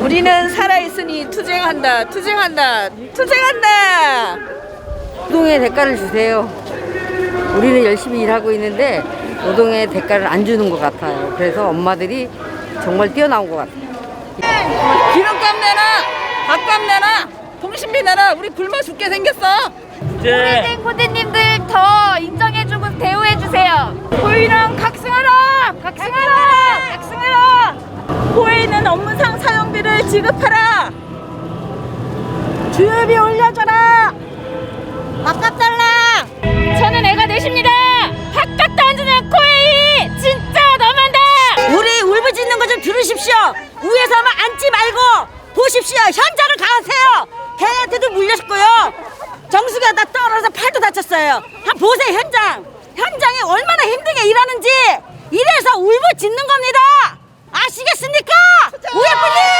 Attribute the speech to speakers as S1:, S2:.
S1: 우리는 살아있으니 투쟁한다, 투쟁한다, 투쟁한다.
S2: 노동의 대가를 주세요. 우리는 열심히 일하고 있는데 노동의 대가를 안 주는 것 같아요. 그래서 엄마들이 정말 뛰어나온 것 같아요.
S1: 기름값 내놔, 밥값 내놔, 통신비 내놔. 우리 굶어 죽게 생겼어.
S3: 오래된 고대님들 더 인정해주고 대우해주세요.
S1: 호의는 각성하라, 각성하라, 각성하라. 호의는 업무상 사용비를 지급하라. 주유비 올려줘라. 밥값 달라.
S3: 저는 애가 넷입니다. 밥값도 안 주는 코에이 진짜 너무한다.
S2: 우리 울부짖는 거 좀 들으십시오. 위에서만 앉지 말고 보십시오. 현장을 가세요. 걔한테도 물렸고요. 정수기가 다 떨어져서 팔도 다쳤어요. 한번 보세요. 현장이 얼마나 힘들게 일하는지. 이래서 울부짖는 겁니다. 아시겠습니까? 우리 분님.